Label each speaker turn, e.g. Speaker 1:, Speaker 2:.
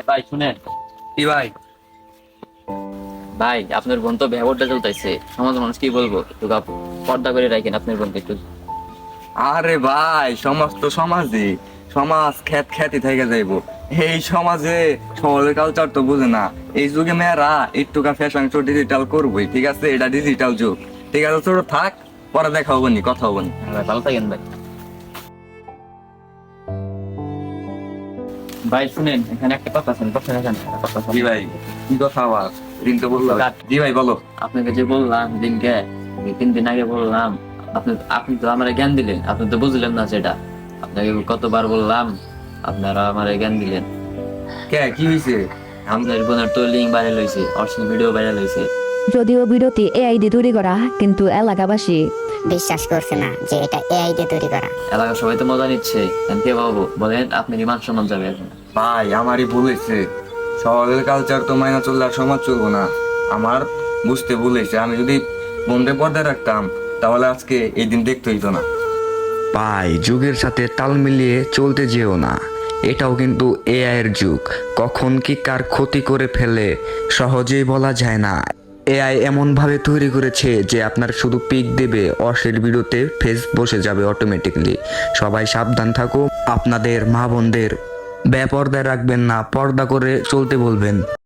Speaker 1: ভাই শুনেন।
Speaker 2: কি ভাই?
Speaker 1: ভাই আপনার বোন তো ব্যবহারটা চলতেছে, সমাজ মানুষ কি বলবো, একটু পর্দা করে রাখেন আপনার বোনকে একটু।
Speaker 2: আরে ভাই, সমাজ তো সমাজই, সমাজ খ্যাত খ্যাতি থেকে যাইবো। এই সমাজে শহরের কালচার তো বুঝে না। এই যুগে মেয়েরা একটুকা ফ্যাশন শো ডিজিটাল করবোই, ঠিক আছে? এটা ডিজিটাল যুগ। ঠিক আছে, ছোট থাক, পরে দেখা হবো নি, কথা হবো নি।
Speaker 1: হ্যাঁ ভাই, ভালো থাকেন ভাই। ভাই শুনেন, এখানে একটা কথা আছে, কথা রাখেন, একটা কথা আছে।
Speaker 2: জি ভাই, কি কথা আবার? দিন তো বললো। জি ভাই বলো।
Speaker 1: আপনাকে যে বললাম দিনকে, 3 দিন আগে বললাম, আপনি আপনি তো আমার জ্ঞান দিলেন, আপনি তো বুঝলেন না সেটা। আপনাকে কতবার বললাম, আপনারা আমার জ্ঞান দিলেন।
Speaker 2: কে, কি হয়েছে?
Speaker 1: আপনার বোনের তো লিঙ্ক ভাইরাল হয়েছে, অশ্লীল ভিডিও ভাইরাল হয়েছে।
Speaker 3: যদিও ভিডিওটি এআই দিয়ে তৈরি করা, কিন্তু এলাকাবাসী
Speaker 4: বিশ্বাস করছে না যে এটা এআই দিয়ে তৈরি করা।
Speaker 1: এলাকার সবাই তো মজা নিচ্ছে, আমি কে পাবো বলেন? আপনার মান সম্মান যাবে এখন।
Speaker 2: ভাই আমারই ভুল হয়েছে। শহরের কালচার তো মাইনা চললে আর সমাজ চলবো না। আমার বুঝতে ভুল হয়েছে। আমি যদি বন্ধে পর্দায় রাখতাম, তাহলে আজকে এই দিন দেখতে হইতো না।
Speaker 5: ভাই, যুগের সাথে তাল মিলিয়ে চলতে যেও না। এটাও কিন্তু এআই এর যুগ, কখন কি কার ক্ষতি করে ফেলে সহজেই বলা যায় না। এআই এমন ভাবে তৈরি করেছে যে আপনার শুধু পিক দেবে, অশ্লীল ভিডিওতে ফেস বসে যাবে অটোমেটিকলি। সবাই সাবধান থাকো, আপনাদের মা বোনদের বেপর্দায় রাখবেন না, পর্দা করে চলতে বলবেন।